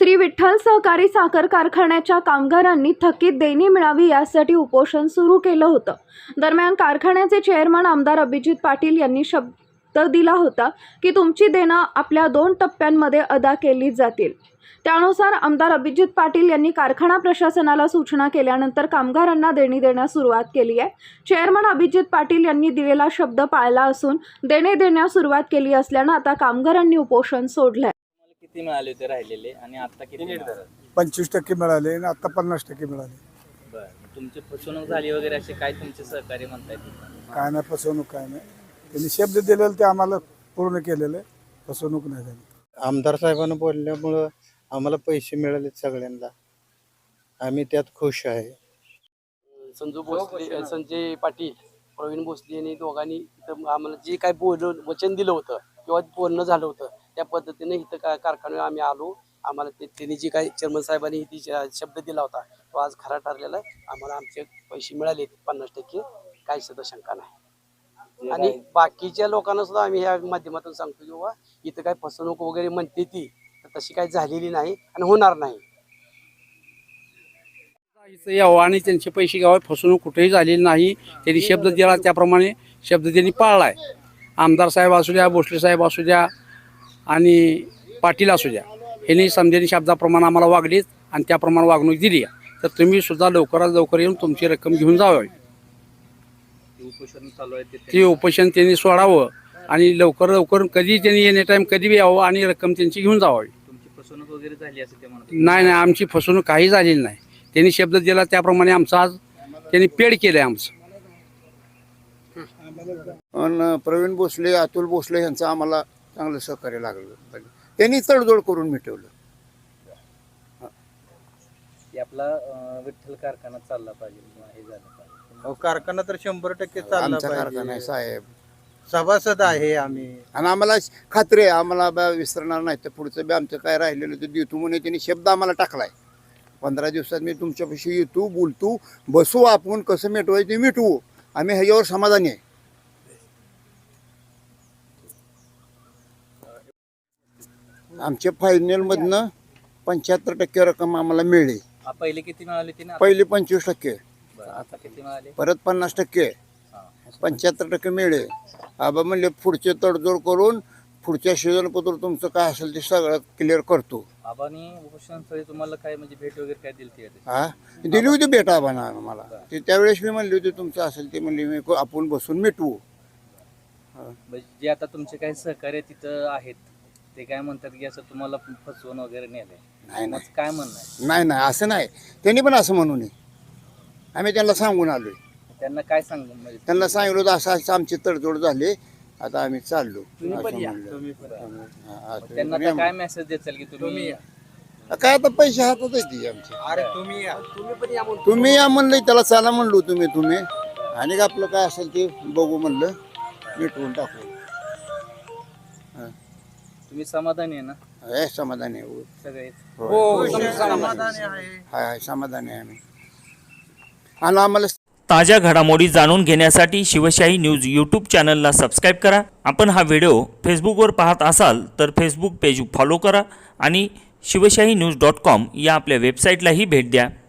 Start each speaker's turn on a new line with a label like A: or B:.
A: श्री विठ्ठल सहकारी साखर कारखान्याच्या कामगारांनी थकीत देणी मिळावी यासाठी उपोषण सुरू केलं होतं। दरम्यान कारखान्याचे चेअरमन आमदार अभिजित पाटील यांनी शब्द दिला होता की तुमची देणं आपल्या 2 टप्प्यांमध्ये अदा केली जातील। त्यानुसार आमदार अभिजित पाटील यांनी कारखाना प्रशासनाला सूचना केल्यानंतर कामगारांना देणी देण्यास सुरुवात केली आहे। चेअरमन अभिजित पाटील यांनी दिलेला शब्द पाळला असून देणे देण्यास सुरुवात केली असल्यानं आता कामगारांनी उपोषण सोडलंय।
B: किती मिळाले होते राहिलेले आणि आता किती मिळाले?
C: 25% मिळाले आणि आता 50% मिळाले।
B: बरं, तुमची फसवणूक झाली वगैरे असे काय तुमचे सहकारी म्हणतायत?
C: काय नाही फसवणूक, काय नाही। त्यांनी शब्द दिलेले ते आम्हाला पूर्ण केलेले, फसवणूक नाही झाली।
D: आमदार साहेबांना बोलल्यामुळं आम्हाला पैसे मिळाले सगळ्यांना, आम्ही त्यात खुश आहे।
E: संजय पाटील, प्रवीण भोसले यांनी दोघांनी इथं आम्हाला जे काय वचन दिलं होतं किंवा बोलणं झालं होतं त्या पद्धतीने इथं कारखान्यावर आम्ही आलो। आम्हाला त्यांनी जे काही चेअरमन साहेबांनी ती शब्द दिला होता तो आज खरा ठरलेला आहे। आम्हाला आमचे पैसे मिळाले 50%, काही सुद्धा शंका नाही। आणि बाकीच्या लोकांना सुद्धा आम्ही ह्या माध्यमातून सांगतो की बाबा इथं काय फसवणूक वगैरे म्हणते ती तशी काही झालेली नाही आणि होणार नाही।
F: इथं यावं आणि त्यांचे पैसे घ्यावे, फसवणूक कुठेही झालेली नाही। त्यांनी शब्द दिला त्याप्रमाणे शब्द त्यांनी पाळला आहे। आमदार साहेब असू द्या, भोसले साहेब असू द्या आणि पाटील असू द्या, यांनी समजेनी शब्दाप्रमाणे आम्हाला वागलीत आणि त्याप्रमाणे वागणूक दिली आहे। तर तुम्ही सुद्धा लवकरात लवकर येऊन तुमची रक्कम घेऊन जावी।
B: उपोषण चालू आहे
F: ते उपोषण त्यांनी सोडावं आणि लवकर लवकर कधी त्यांनी एनी टाईम कधी बी यावं आणि रक्कम त्यांची घेऊन जावी।
B: तुमची फसवणूक वगैरे झाली असं ते म्हणतात?
F: नाही, आमची फसवणूक काही झालेली नाही। त्यांनी शब्द दिला त्याप्रमाणे आमचं आज त्यांनी पेड केलं आहे आमचं।
D: आणि प्रवीण भोसले, अतुल भोसले यांचं आम्हाला चांगलं सहकार्य लागलं, त्यांनी तडजोड करून मिटवलं।
B: आपला विठ्ठल कारखाना चालला पाहिजे किंवा हे झालं पाहिजे।
D: कारखाना तर 100% चालला
C: आमचा
D: पाहिजे।
C: कारखाना आहे साहेब,
D: सभासद आहे आम्ही आणि आम्हाला खात्री आहे आम्हाला विसरणार नाही। तर पुढचं बी आमचं काय राहिलेलं ते देतो म्हणून त्यांनी शब्द आम्हाला टाकलाय। 15 दिवसात मी तुमच्यापाशी येतो, बोलतो, बसू, आपण कसं मिटवायचं ते मिटवू। आम्ही ह्याच्यावर समाधानी आहे। आमच्या फायनलमधनं 75% रक्कम आम्हाला मिळली।
B: पहिले किती मिळाले होते?
D: पहिले 25%,
B: आता किती मिळाले?
D: परत 50%, 75% मिळले। आबा म्हणले पुढचे तडजोड करून पुढच्या सीझनपत्र तुमचं काय असेल ते सगळं क्लिअर करतो।
B: आबानी उपोषणस्थळी तुम्हाला काय म्हणजे भेट वगैरे काय दिली?
D: हा, दिली होती भेट आबांना मला। ते त्यावेळेस मी म्हणले होते तुमचं असेल ते, म्हणले मी आपण बसून मिटवू।
B: जे आता तुमचे काही सहकार्य तिथं आहेत ते काय म्हणतात की असं तुम्हाला फसवून वगैरे नेलंय?
D: नाही,
B: काय म्हणणं आहे?
D: नाही, असं नाही। त्यांनी पण असं म्हणू नये, आम्ही त्यांना सांगून आलोय।
B: त्यांना काय सांगू? म्हणजे
D: त्यांना सांगितलं होतं असं आमची तडजोड झाली, आता आम्ही चाललो।
B: त्यांना आता काय मेसेज द्याल की तुम्ही
D: काय आता पैसे हातात येते आमचे।
E: अरे
D: तुम्ही या म्हणलं, त्याला चला म्हणलो तुम्ही आणि आपलं काय असेल ते बघू म्हणलं, मिटवून टाकू।
B: तुम्ही समाधानी आहे ना?
D: हे समाधानी आहे
B: सगळे?
D: हाय, समाधानी आहे आम्ही। आणि आम्हाला
G: ताज्या घडामोडी जाणून घेण्यासाठी शिवशाही न्यूज यूट्यूब चॅनलला सबस्क्राईब करा। आपण हा व्हिडिओ फेसबुकवर पाहत असाल तर फेसबुक पेज फॉलो करा आणि शिवशाही न्यूज.com या आपल्या वेबसाईटलाही भेट द्या।